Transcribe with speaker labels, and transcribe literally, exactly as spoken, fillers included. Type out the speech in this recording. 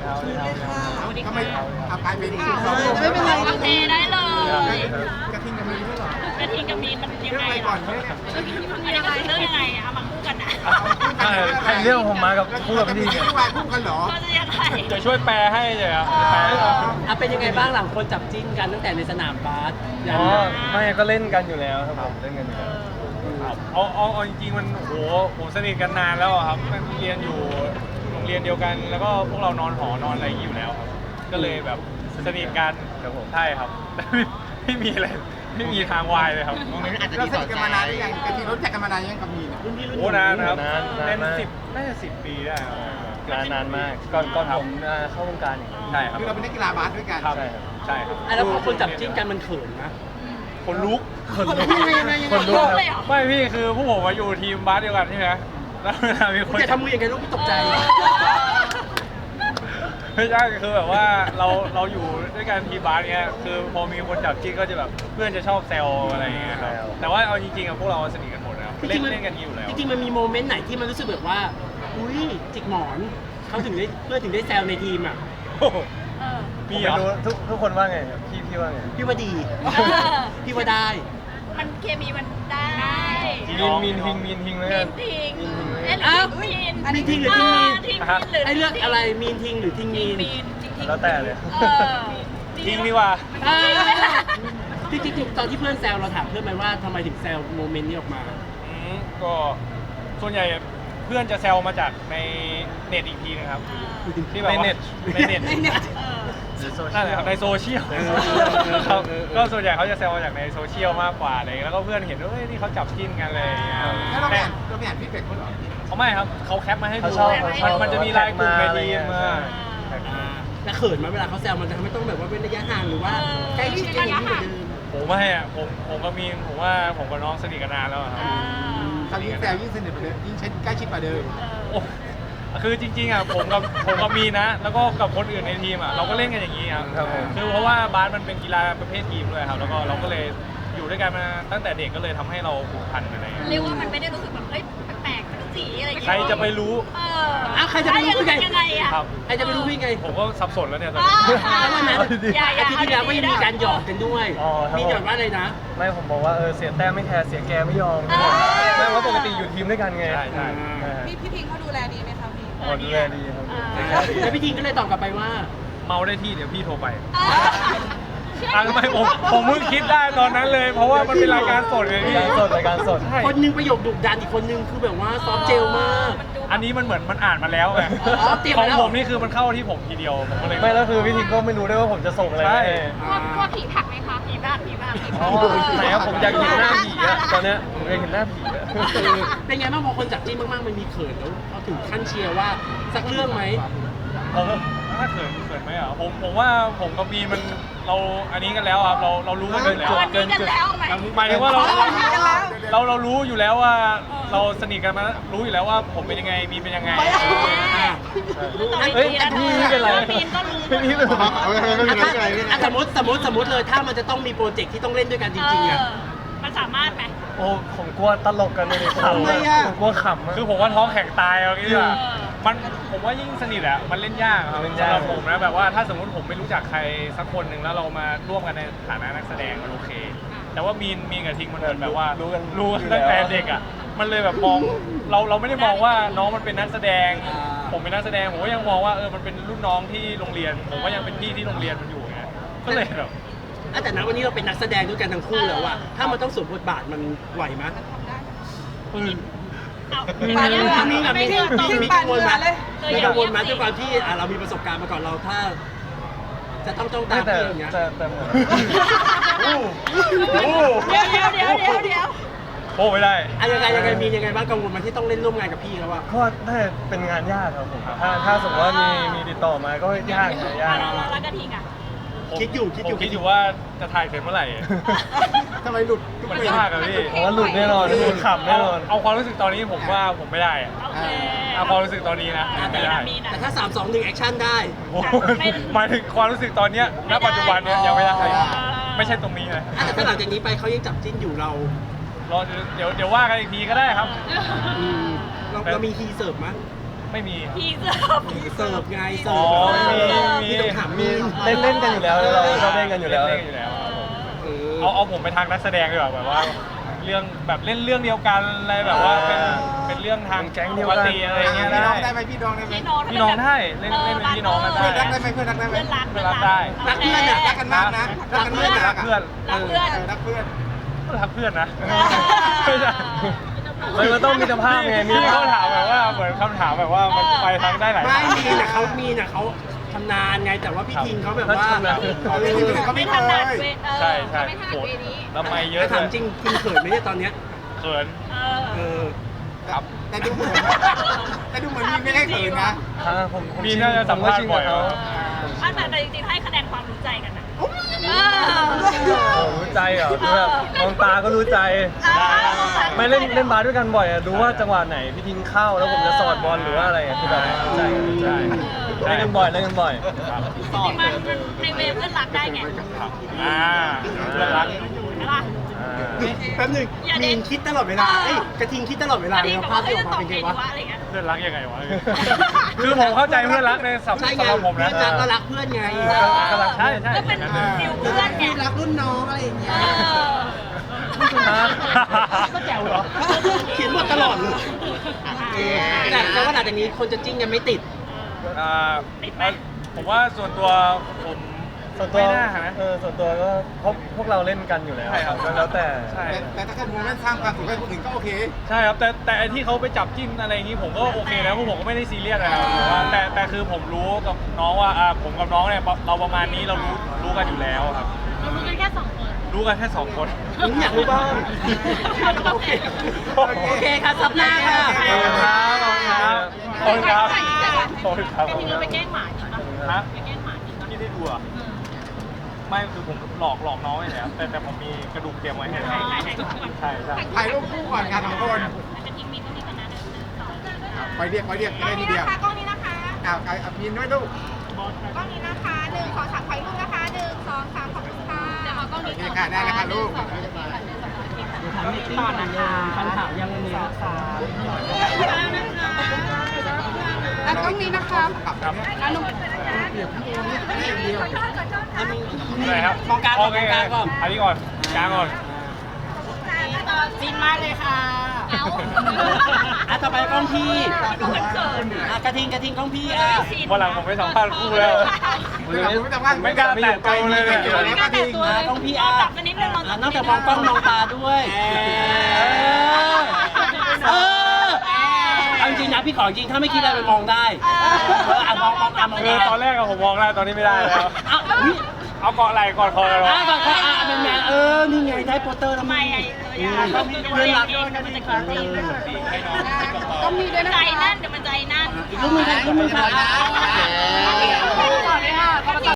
Speaker 1: สวัสดีค่ะทำไมเอากลายเป็น
Speaker 2: ไม่เป็นไร
Speaker 3: โอเคได้เลย
Speaker 1: กระทิงกับมีด้วยเหรอก
Speaker 3: ระทิงกับมีนมันยัง
Speaker 1: เรื่อง
Speaker 3: ไง
Speaker 1: อะไร
Speaker 3: หร
Speaker 1: ก่
Speaker 3: อ
Speaker 1: อนเนี่ย
Speaker 3: อันนี้คือเรื่องยังไงเอามาคู่กันนะ
Speaker 4: ใครเรื่องผมมากับคู่กับพี่
Speaker 1: เนี่
Speaker 4: เนี่ย ย
Speaker 1: วายคู่กันเหรอ
Speaker 3: ก็จะยังไง
Speaker 4: จะช่วยแปลให้เลยครับแปลให้เรา
Speaker 2: อ่ะเป็นยังไงบ้างหลังคนจับจิ้นกันตั้งแต่ในสนามบาสยัน
Speaker 4: อ๋อไม่ก็เล่นกันอยู่แล้วครับผมเล่นกันอยู่แล้วครับเอาเอาเอาจริงๆมันโอ้โหผมสนิทกันนานแล้วอะครับมันเรียนอยู่โรงเรียนเดียวกัน แล้วก็พวกเรานอนหอนอนอะไรอย่างนี้อยู่แล้วครับก็เลยแบบสนิทกันครับผมใช่ครับไม่ไม่มีอะไรไม่มีทางวายเลยครับ
Speaker 1: เราสนิทกันมานานหรือยังกระทิงรู้จักกันมานานยังกับมีเนี่ย
Speaker 4: โอ้นานนะครับ
Speaker 5: นานนาน
Speaker 4: เป็น
Speaker 5: มาก
Speaker 4: สิบน่าจะสิบปีได้ครับ
Speaker 5: นานนานมากก่อนก่อนผมอ่าเข้าวงการอีก
Speaker 4: ใช่ครับ
Speaker 1: คือเราเป็นนักกีฬาบาสด้วยกัน
Speaker 4: ครับ
Speaker 5: ใช่ครับ
Speaker 4: ใช่ครับ
Speaker 2: อ่ะแล้วพอคนจับจิ้นกันมันเขินนะ
Speaker 4: คนลุก
Speaker 2: คนลุกยังไงยังไง
Speaker 4: คนลุก
Speaker 3: เลยเหรอ
Speaker 4: ไม่พี่คือผู้ผมมาอยู่ทีมบาสเดียวกันใช่ไหมแล้วเวลามีคน
Speaker 2: จะทำมืออย่างไงลูกพี่ตกใจ
Speaker 4: ไม่ใช่คือแบบว่าเราเราอยู่ด้วยกันทีมบาสเนี้ยคือพอมีคนจับจิ้นก็จะแบบเพื่อนจะชอบแซวอะไรอย่างเงี้ยครับแต่ว่าเอาจริงๆอะพวกเราสนิทกันหมดนะครับเล่นเล่นกันอยู่แล้ว
Speaker 2: จริงๆมันมีโมเมนต์ไหนที่มันรู้สึกแบบว่าอุ้ยจิกหมอนเขาถึงได้เพื่อนถึงได้แซวในทีมอ่ะ
Speaker 4: โอ้โห
Speaker 3: เออ
Speaker 4: มี
Speaker 5: มี
Speaker 4: เหรอ
Speaker 5: รู้ทุกทุกคนว่าไงครับพี่พี่ว่าไง
Speaker 2: พี่ว่าดี
Speaker 3: เออ
Speaker 2: พี่ว่าได้
Speaker 3: มันเคมีมันได้
Speaker 5: มีนมีนทิงมีนทิงแล้ว
Speaker 3: มี
Speaker 5: กัน
Speaker 3: นทิง
Speaker 5: มีนทิงแล้ว
Speaker 3: เอ๊ะ
Speaker 5: กัน
Speaker 3: หรือมีน
Speaker 2: อันนี้ทิงหรือทิงมีน
Speaker 3: ทิงมีนหรือ
Speaker 2: ให้เลือกอะไรมีนทิงหรือทิง
Speaker 3: ทิ
Speaker 2: มี
Speaker 3: ง
Speaker 2: น
Speaker 3: มีนทิงทิง
Speaker 5: แล้วแต่เลย
Speaker 3: เออ
Speaker 4: ทิ้งดีกว่า
Speaker 2: อ่าจริงๆตอนที่เพื่อนแซวเราถามเพื่อนไหมว่าทำไมถึงแซวโมเมนต์นี้ออกมา
Speaker 4: อืมก็ส่วนใหญ่เพื่อนจะแซวมาจากในเน็ตอีกทีนะครับที่แบบว่า
Speaker 5: ในเน็ต
Speaker 4: ในเน็ต
Speaker 3: เออ
Speaker 4: นั่นแหละครับในโซเชียล
Speaker 5: เออ
Speaker 4: ครับ
Speaker 5: เออเออ
Speaker 4: ก็ส่วนใหญ่เขาจะแซวมาจากในโซเชียลมากกว่าอะไรอย่างเงี้ยแล้วก็เพื่อนเห็นว่าเฮ้ยนี่เขาจับจิ้นกันเลยอย่างเงี้ย
Speaker 1: แล้วเราไม่
Speaker 4: แต่
Speaker 1: อ่านเราไม่อ่านฟีดแบ็กเขาเหรอ
Speaker 4: เขาไม่ครับเขาแคปมาให้ดู
Speaker 5: เขาชอบเขาชอบ
Speaker 4: มันมันจะมีไลน์กลุ่มในทีมมา
Speaker 2: แล้วเขินไหมาเวลาเขาแซวมันจะทำให้ต้องแบบว่าเป็นระยะห่างหรือว่าใกล้ชิดกันยิ่งกว่าเดิม
Speaker 4: ผมไม่อะผมผมกับมีนผมว่าผมกับน้องสนิทกันนานแล้วอะครับ
Speaker 1: คราวนี้แซวยิ่งสนิทกว่าเดิมยิ่งใกล้ชิดกว่าเดิม
Speaker 4: โอ้คือจริงๆอ่ะผมกับผมกับมีนนะ แล้วก็กับคนอื่นในทีมอ่ะเราก็เล่นกันอย่างนี้ครับ
Speaker 5: ครับผม
Speaker 4: คือเพราะว่าบาสมันเป็นกีฬาประเภททีมด้วยครับแล้วก็เราก็เลยอยู่ด้วยกันมาตั้งแต่เด็กก็เลยทำให้เราผูกพันกันอะไรอย่างเงี้ย
Speaker 3: เรียกว่ามันไม่ได้รู้สึกแบบเอ้ยแปลกๆเป็นสีอะไรอย่างเงี้ย
Speaker 4: ใครจะไปรู้
Speaker 3: เออ
Speaker 2: อ้าวใครจะไปรู้ได้ไง
Speaker 3: ยังไงอะ
Speaker 4: ครับ
Speaker 2: ใครจะไปรู้พี่ไง
Speaker 4: ผมก็สับสนแล้วเนี่ยตอน
Speaker 3: อ๋อ
Speaker 4: นี้
Speaker 2: แล้ววันนั้น
Speaker 3: อย่าอย่า
Speaker 2: อาทิตย์ที่แล้วก็ยังมีการหยอกกันด้วย
Speaker 5: อ๋อครับ
Speaker 2: มีหยอกว่าอะไรนะ
Speaker 5: ไม่ผมบอกว่าเออเสียแต้มไม่แคร์เสียแกไม่ยอม
Speaker 3: อ่า
Speaker 5: ไม่เพราะปกติอยู่ทีมด้วยกันไง
Speaker 4: ใช่ใช่
Speaker 5: อ่า
Speaker 6: พี่พี่พิงเขาดูแลดีไหมคะพี่
Speaker 5: อ๋อดูแลดีครับ
Speaker 2: แล้วพี่ทิงก็เลยตอบกลับไปว่า
Speaker 4: เมาได้ที่เดี๋ยวพี่โทรไป
Speaker 3: อ่า
Speaker 4: อ่ะทำไมผมผมเพิ่งคิดได้ตอนนั้นเลย เพราะว่ามันเป็นรายการสดไง
Speaker 5: ราย
Speaker 4: พี่
Speaker 5: การสดรายการสด
Speaker 4: ใช่
Speaker 2: คนหนึงประโยคดุดันอีกคนนึงคือแบบว่าซอฟต์เจลมาก
Speaker 3: มันดู
Speaker 4: อันนี้มันเหมือนมันอ่านมาแล้วไง
Speaker 2: อ๋อเตรียม
Speaker 4: ขอ
Speaker 2: มาง แล้ว
Speaker 4: ผมนี่คือมันเข้าที่ผมทีเดียวผมก็เลย
Speaker 5: ไม่แล้วคือพี่ทิงก็ไม่รู้ด้วยว่าผมจะส่งอะไร
Speaker 4: ใช่
Speaker 5: ให้
Speaker 3: กลัวกลัวผีผักไหมคะผีบ้าผีบ้าผี
Speaker 5: อ๋
Speaker 3: บ้า
Speaker 5: อไหนครับผมอยากเห็นหน้าผีอะตอนเนี้ยผมอยากเห็นหน้าผีอะ
Speaker 2: เป็นไงบ้างพอคนจับจิ้นมากๆมันมีเขินแล้วเขาถึงขั้นเชียร์ว่าสักเรื่องไหม
Speaker 4: ผมถ้าเขินเขินไหมอ่ะผมผมว่าผมกับมีนมันเราอันนี้กันแล้วครับเราเรารู้กันอยู่แล้ว
Speaker 3: วันนี้กันแล้วไหม
Speaker 4: หมายถึงว่าเรา
Speaker 3: อ๋อวันนี้กันแล้ว
Speaker 4: เราเรารู้อยู่แล้วว่าเราสนิทกันมารู้อยู่แล้วว่าผมเป็นยังไงมีนเป็นยังไง
Speaker 2: อ่ะ
Speaker 5: เฮ้ยพี่ไม่เป็นไร
Speaker 3: มีนก็รู้
Speaker 5: พี่ไม่เป็นไร
Speaker 2: อ่ะสมมติสมมติสมมติเลยถ้ามันจะต้องมีโปรเจกต์ที่ต้องเล่นด้วยกันจริงๆอ่ะ
Speaker 3: เออมันสามารถไหม
Speaker 5: โอ้ผมกลัวตลกกันเลยขำ
Speaker 2: ทำไมอะ
Speaker 5: ผมกลัวขำอะ
Speaker 4: คือผมว่าท้องแข็งตายเอางี้ดีกว่า
Speaker 3: เออ
Speaker 4: มันผมว่ายิ่งสนิทอะมันเล่นยากครับ
Speaker 5: เล่น
Speaker 4: สำ
Speaker 5: ยาก
Speaker 4: หรับผมนะแบบว่าถ้าสมมติผมไม่รู้จักใครสักคนหนึ่งแล้วเรามาร่วมกันในฐานะนักแสดงมันโอเค แต่ว่ามีนมีนกับทิงมันเหมือนแบบว่า
Speaker 5: รู้กัน
Speaker 4: รู้กัน
Speaker 5: อยู่
Speaker 4: ตั้งแต่
Speaker 5: แล้ว
Speaker 4: เด็กอะมันเลยแบบมองเราเราไม่ได้มองว่าน้องมันเป็นนักแสดง ผมเป็นนักแสดงผมก็ยังมองว่าเออมันเป็นรุ่นน้องที่โรงเรียน ผมก็ยังเป็นพี่ที่โรงเรียนมันอยู่ไงก็เลยแบบ
Speaker 2: อ่ะแต่ณวันนี้เราเป็นนักแสดงด้วยกันทั้งคู่แล้วอะถ้ามันต้องสวมบทบาทมันไหวไหม
Speaker 4: ปืน
Speaker 3: เอา
Speaker 2: มี
Speaker 3: ไป
Speaker 2: มี
Speaker 3: ยัง
Speaker 2: มีมี
Speaker 3: ไม่
Speaker 2: มี
Speaker 3: เชื่อตรง
Speaker 2: มีกังวลไหม
Speaker 3: เคย
Speaker 2: มี
Speaker 3: อ
Speaker 2: กั
Speaker 3: ยาง
Speaker 2: วลไหม
Speaker 3: เงี
Speaker 2: ด้วย
Speaker 3: บ
Speaker 2: ความที่อ่ะเรามีประสบการณ์มาก่อนเราถ้า จะต้องจ้องตา
Speaker 5: แต่
Speaker 2: พี่อย่างเงี้ย
Speaker 5: แต่แต่ผม
Speaker 4: โอ้โห
Speaker 3: เดี๋ยวเดี๋ยวเดี๋ยวเดี๋ยวเดี๋ยว
Speaker 4: โอ้ไม่ได้
Speaker 2: อ่ะยังไงยังไงมียังไงบ้างกังวลไหมันที่ต้องเล่นร่วมงานกับพี่เขาอะ
Speaker 5: ก็น่าจะเป็นงานยากครับผมถ้าถ้าสมมติว่ามีมีติดต่อมาก็ยากนะยาก
Speaker 3: แล้วแล้วกระทิงอ่ะ
Speaker 4: ผม
Speaker 2: คิดอยู่คิดอยู่
Speaker 4: ผมคิดอยู่ว่าจะถ่ายเสร็จเมื่อไหร่
Speaker 1: ทำไมหลุด
Speaker 4: มันยากอะพี่
Speaker 5: ผมว่าหลุดแน่นอนหลุดขำแน่นอน
Speaker 4: เอาความรู้สึกตอนนี้ผมว่าผมไม่ได้อะ
Speaker 3: โอเค
Speaker 4: เอาความรู้สึกตอนนี้นะ
Speaker 3: อ่ะ
Speaker 4: ไม่ได้
Speaker 3: มีนะ
Speaker 2: แต่ถ้าสามสองหนึ่งแอคชั่นได้
Speaker 4: โอ้โหหมายถึงความรู้สึกตอนเนี้ยณปัจจุบันเนี้ยยังไม่ได้ไม่ใช่ตรงนี้เลย
Speaker 2: อ่ะแต่ถ้าหลังจากนี้ไปเขายังจับจิ้นอยู่เรา
Speaker 4: รอเดี๋ยวเดี๋ยวว่ากันอีกทีก็ได้ครับ
Speaker 2: อืมเราเรามีฮีเสิร์ฟมั้ย
Speaker 4: ไม่มี
Speaker 3: พี่เสิร์ฟ
Speaker 2: เสิร์ฟไงเสิ
Speaker 4: อ๋อ
Speaker 2: ร์ฟ
Speaker 4: มีมี
Speaker 2: มีต้องถามมี
Speaker 5: เล่นเล่นกันอยู่แล้วเราชอบเล่นกันอยู่แล้ว
Speaker 4: เล่นกันอยู่แล้วครับผม
Speaker 2: เออ
Speaker 4: เอาเอาผมไปทางนักแสดงดีกว่าแบบว่าเรื่องแบบเล่นเรื่องเดียวกันอะไรแบบว่าเป็นเป็นเรื่องทาง
Speaker 5: แก๊งเดี
Speaker 4: ป
Speaker 5: ยว
Speaker 4: ก
Speaker 5: กัน
Speaker 4: ติอะไรเงี้ย
Speaker 1: พี่น้
Speaker 4: ได้
Speaker 1: องได้ไหมพี่น้องได้ไหม
Speaker 3: พี่น้อง
Speaker 4: พี่น้องได้เล่นเล่นเป็นพี่น้องกันได้
Speaker 1: เพื่อนรักได้ไหมเพื่อนรักได้ไหม
Speaker 3: เพื่อนรัก
Speaker 4: เพื่อนรักได้
Speaker 2: รักเพื่อนอะ
Speaker 1: รักกันมากนะรักกันมาก
Speaker 4: รักเพื่อน
Speaker 3: รักเพื่อน
Speaker 1: รักเพื่อน
Speaker 4: รักเพื่อนนะ
Speaker 3: เออ
Speaker 4: ไม่ใช่
Speaker 5: มันก็ต้องมีสภาพไงมี
Speaker 4: พี่เขาถามแบบว่าเหมือนคำถามแบบว่ามันไปทางได้หลาย
Speaker 2: ไม่
Speaker 4: ทาง
Speaker 2: มีนะเขามีนะเขาชำนาญไงแต่ว่าพี่ทิงเขาแบบว่า
Speaker 5: ชำนาญ
Speaker 1: เขาไม่ได้เขา
Speaker 3: ไม่
Speaker 1: ไม่
Speaker 3: ถ
Speaker 1: เค
Speaker 3: นัด
Speaker 1: ย
Speaker 3: เวเออ
Speaker 4: ใช่ใช่
Speaker 3: เขาไม่ถนัด
Speaker 4: โห
Speaker 3: เวนี้
Speaker 4: แล้วไม่เยอะ
Speaker 2: ถ้าถาม
Speaker 4: เลย
Speaker 2: จริงทิงเขินไหมเนี่ยตอนเนี้ย
Speaker 4: เขิน
Speaker 3: เออ
Speaker 2: เออ
Speaker 4: ครับ
Speaker 1: แต่ดูเหมือนแต่ดูเหมือนมีไม่ได้เขินนะ
Speaker 5: อ่าผมผ
Speaker 4: มี
Speaker 5: ชิ
Speaker 4: น่าจะสัมภาษณ์บ่อย
Speaker 5: ผมก็ชินกับเขา
Speaker 3: อ่ะแต่แต่จริงๆให้คะแนนความรู้ใจกันนะเออ
Speaker 5: โอ้รู้ใจเหรอคือแบบมองตาก็รู้ใจ ไม่เล่นเล่นบาสด้วยกันบ่อยอะรู้ว่าจังหวะไหนพี่ทิ้งเข้าแล้วผมจะสอดบอลหรือว่าอะไรอะคือแบบรู้ใจรู้ใจเล่นกันบ่อยเล่นกันบ่อย
Speaker 4: ครับ
Speaker 3: จริงๆมันมันในเวเพื่อนรักได้ไง
Speaker 4: ครับอ่าเพื่อนรัก
Speaker 3: ใช่ป่ะ
Speaker 5: อ่า
Speaker 2: แป๊บหนึง
Speaker 3: อย่าเด็
Speaker 2: มี
Speaker 3: ด
Speaker 2: นคิดตลอดเวลาเอ้ยกระทิงคิดตลอดเวลา
Speaker 3: อัน
Speaker 2: เล
Speaker 3: นี้
Speaker 2: ย
Speaker 3: แบบ
Speaker 2: ภา
Speaker 3: ว่า
Speaker 2: พ
Speaker 3: เฮ้
Speaker 2: ที่
Speaker 3: ย
Speaker 2: ออก
Speaker 3: จะ
Speaker 2: มา
Speaker 3: ตอบ
Speaker 2: เป็นไงวะ
Speaker 3: ไงดีวะอะไรเงี้ย
Speaker 4: เพื่อนรักยังไงวะ คือผมเข้าใจเพื่อนรักในสับ
Speaker 2: ใช่
Speaker 4: สำ
Speaker 2: ไง
Speaker 4: หรับผมนะ
Speaker 2: เพื่อนรักก็รักเพื่อนไง
Speaker 5: ก็รัก
Speaker 4: ใช่ใช่
Speaker 3: ก็เป็นฟิลเพื่อนไง
Speaker 2: รักรุ่นน้องอะไรอย่างเงี้ย
Speaker 3: เออ
Speaker 2: ก็แจ๋วเหรอเขียนบทตลอดเลยแต่แต่ว่าหลังจากนี้คนจะจิ้งกันไม่ติด
Speaker 4: อ่าผมว่าส่วนตัวผม
Speaker 5: ส่วนตัว
Speaker 4: ไม่น่านะ
Speaker 5: เออส่วนตัวก็พวกพวกเราเล่นกันอยู่แล้ว
Speaker 4: ใช่ครับ
Speaker 5: ก็แล้วแต่
Speaker 4: ใช่
Speaker 1: แต่ถ้าเกิดโมเมนต์สร้างความสุขให้คนอื่นก็โอเค
Speaker 4: ใช่ครับแต่แต่ไอที่เขาไปจับจิ้นอะไรอย่างนี้ผมก็โอเคนะพวกผมก็ไม่ได้ซีเรียสนะครับแต่ว่าแต่แต่คือผมรู้กับน้องว่าอ่าผมกับน้องเนี่ยเราประมาณนี้เรารู้รู้กันอยู่แล้วครับ
Speaker 3: เรารู้กันแค่สองคน
Speaker 4: รู้กันแค่สองคน
Speaker 2: ผมอยากรู้บ้าง
Speaker 3: โอเค
Speaker 2: โอเคครับซับหน้าค่ะ
Speaker 4: ขอบคุณครับขอบคุณครับขอบคุณครับขอบคุณครับ
Speaker 3: กระทิงเราไปแกล้งหมาจริงปะ
Speaker 4: ฮะ
Speaker 3: ไปแกล้งหมาจริงปะ
Speaker 4: ที่ได้ดูอ่ะไม่คือผมหลอกหลอกน้องไว้แล้วแต่แต่ผมมีกระดูกเตรียมไว้ให้แล้วใช่ใช่
Speaker 1: ถ่ายรูปคู่ก่อนกันสองคน
Speaker 3: กระทิงมีตรงนี้กันนะหนึ่งสอง
Speaker 1: ไปเรียกไปเรียกได้ทีเดียว
Speaker 6: กล้องนี้นะคะ
Speaker 1: อ้าวเอาพินด้วยลูก
Speaker 6: กล้องนี้นะคะหนึ่งสองสามถ่ายรูปนะคะหนึ่งสองสามขอบคุณค่ะ
Speaker 3: เดี๋ยวเอากล้อง
Speaker 1: โอ
Speaker 3: นี้
Speaker 1: เค
Speaker 3: ก่อน
Speaker 1: ค่ะได้แล้วค่ะลูก
Speaker 2: ถามนิดนึงคำถามยังมีสาม
Speaker 6: อ่ะกล้องนี้นะคะ
Speaker 4: ครับ
Speaker 6: อ่ะหนุ่ม
Speaker 4: อะไรครับ
Speaker 2: มองกลางก่อน
Speaker 4: โเค
Speaker 2: มองกลางก่อน
Speaker 4: อันนี้ก่อนกลางก่อน
Speaker 3: ฟินมากเลยค่ะเอา
Speaker 2: อ่ะต่อไปกล้องพี่
Speaker 3: ดูเขิน
Speaker 2: อ่ะกระทิงกระทิงกล้องพี่อ่ะ
Speaker 4: วันหลังผมไปสัมภาษณ์คู่แล้ว ไม่กล้าแตะตัวเลยเนี่ย
Speaker 3: ไม่กล้าแต่ตัว
Speaker 2: อ่ะ
Speaker 3: เลย
Speaker 2: กล้องพี่อ่ะ
Speaker 3: จับมานิดนึงเรา
Speaker 2: อ่ะนอกจากมองกล้องมองตาด้วยเออเอาจริงๆนะพี่ขอจริงถ้าไม่คิดอะไรไปมองได้เอออ่ะมองมองตามอง
Speaker 4: คือ
Speaker 2: ตา
Speaker 4: ตอนแรกอะผมมองได้ตอนนี้ไม่ได้แล้ว
Speaker 2: อ่ะอุ๊ย
Speaker 4: เอาเกาะไหล่กอดคอกัน
Speaker 2: อ่ะ
Speaker 4: วะ
Speaker 2: ก่อนขออ่ะเป็นไงเออนี่ไงได้โปสเตอร์แล้ว
Speaker 3: ทำไม
Speaker 2: มั้ย
Speaker 3: ไอ้ตัวยาต้องมีเรื่องรักมันจะกินจริง
Speaker 6: ต้องมีด้วยนะ
Speaker 3: ใจ
Speaker 6: คะ
Speaker 3: นั่นเดี๋ยวมันใจนั่น
Speaker 2: อีกรูปหนึงค่ะอีกรูปหนึงค่ะ